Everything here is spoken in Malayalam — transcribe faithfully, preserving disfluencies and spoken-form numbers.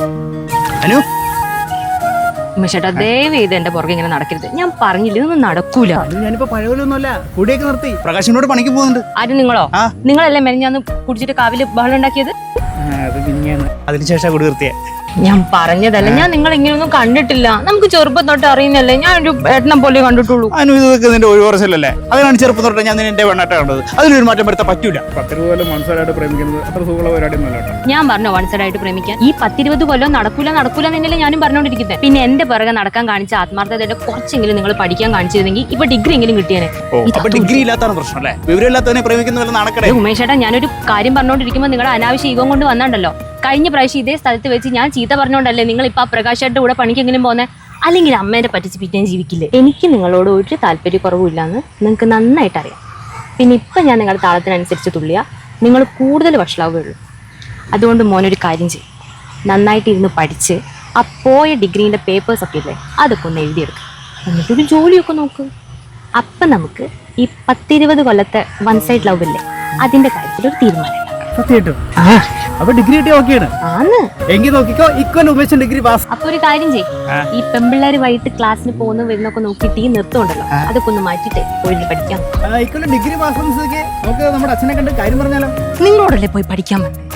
അനു ഉമേഷേട്ടാ ദയവ് ചെയ്ത് എന്റെ പുറകെ ഇങ്ങനെ നടക്കരുത്. ഞാൻ പറഞ്ഞില്ല ഇതൊന്നും നടക്കൂല. ഞാനിപ്പോ പഴയപോലൊന്നുമല്ല, കൂടിയൊക്കെ നിർത്തി. പ്രകാശിനോട് പണിക്ക് പോകുന്നുണ്ട്. ആരും നിങ്ങളോ? നിങ്ങളല്ലേ മെനഞ്ഞാന്ന് കുടിച്ചിട്ട് കാവില് ബഹളം ഉണ്ടാക്കിയത്? അതിനുശേഷം കൂടി നിർത്തിയ ഞാൻ പറഞ്ഞതല്ല, ഞാൻ നിങ്ങൾ ഇങ്ങനെയൊന്നും കണ്ടിട്ടില്ല. നമുക്ക് ചെറുപ്പം തൊട്ട് അറിയുന്നല്ലേ, ഞാൻ ഒരു ഏട്ടനെ പോലെ കണ്ടിട്ടുള്ളൂ. അനു ഇതൊക്കെ നിന്റെ ഒരു വർഷമല്ലേ, അതിനാണ് ചെറുപ്പം തൊട്ട് ഞാൻ നിന്റെ പെണ്ണാട്ട കണ്ടത്. അതിനൊരു മാറ്റം വരുത്താൻ പറ്റൂല. പത്തിരുപത് മനസ്സിലായിട്ട് പ്രേമിക്കുന്നത് അത്ര സുഖമുള്ള പരിപാടിയൊന്നുമല്ല. ഞാൻ പറഞ്ഞു വൺ സൈഡ് ആയിട്ട് പ്രേമിക്കാൻ. ഈ പത്തിരുപത് കൊല്ലം നടക്കൂല നടക്കൂല എന്നല്ലേ ഞാനും പറഞ്ഞോണ്ടിരിക്കുന്നത്. പിന്നെ എന്റെ പിറകെ നടക്കാൻ കാണിച്ച ആത്മാർത്ഥതയുടെ കുറച്ചെങ്കിലും നിങ്ങൾ പഠിക്കാൻ കാണിച്ചിരുന്നെങ്കിൽ ഇപ്പൊ ഡിഗ്രി എങ്കിലും കിട്ടിയേനെ. ഡിഗ്രി ഇല്ലാത്താണ് പ്രശ്നം അല്ലേ? വിവരമില്ലാത്തവനെ പ്രേമിക്കുന്ന പോലെ നടക്കണേ. ഉമേഷേട്ടാ, ഞാനൊരു കാര്യം പറഞ്ഞോണ്ടിരിക്കുമ്പോൾ നിങ്ങളുടെ അനാവശ്യ ഈഗം കൊണ്ട് വന്നാണ്ടല്ലോ. കഴിഞ്ഞ പ്രാവശ്യം ഇതേ സ്ഥലത്ത് വെച്ച് ഞാൻ ചീത്ത പറഞ്ഞോണ്ടല്ലേ നിങ്ങൾ ഇപ്പൊ ആ പ്രകാശായിട്ട് കൂടെ പണിക്കെങ്കിലും പോന്നെ. അല്ലെങ്കിൽ അമ്മേനെ പറ്റിച്ച് പിറ്റേം ജീവിക്കില്ലേ? എനിക്ക് നിങ്ങളോട് ഒരു താല്പര്യക്കുറവില്ലാന്ന് നിങ്ങൾക്ക് നന്നായിട്ട് അറിയാം. പിന്നെ ഇപ്പം ഞാൻ നിങ്ങളുടെ താളത്തിനനുസരിച്ച് തുള്ളിയാൽ നിങ്ങൾ കൂടുതൽ വഷളാവുകയുള്ളൂ. അതുകൊണ്ട് മോനൊരു കാര്യം ചെയ്യും, നന്നായിട്ട് ഇരുന്ന് പഠിച്ച് ആ പോയ ഡിഗ്രീൻ്റെ പേപ്പേഴ്സൊക്കെ ഇല്ലേ അതൊക്കെ ഒന്ന് എഴുതിയെടുക്കുക. എന്നിട്ടൊരു ജോലിയൊക്കെ നോക്ക്. അപ്പം നമുക്ക് ഈ പത്തിരുപത് കൊല്ലത്തെ വൺ സൈഡ് ലവ് ഇല്ലേ അതിൻ്റെ കാര്യത്തിൽ ഒരു തീരുമാനം. അപ്പൊ ഡിഗ്രി കിട്ടി ഓക്കെയാണ്. ആന്ന് എങ്കിൽ നോക്കിക്കോ, ഇക്കൊല്ലം ഉമേഷൻ ഡിഗ്രി പാസ്. അപ്പൊ ഒരു കാര്യം ചെയ്യും, ഈ പെമ്പിള്ളേര് വൈകിട്ട് ക്ലാസ്സിന് പോകുന്ന വരുന്നൊക്കെ നോക്കിയിട്ട് ഈ നിർത്തമുണ്ടല്ലോ അതൊക്കെ ഒന്ന് മാറ്റിട്ടേ പോയി പഠിക്കാം. ഇക്കൊല്ലം ഡിഗ്രി പാസ് നമുക്ക് നമ്മുടെ അച്ഛനെ കണ്ട് കാര്യം പറഞ്ഞാലോ? നിങ്ങളോടല്ലേ പോയി പഠിക്കാൻ പറ്റും.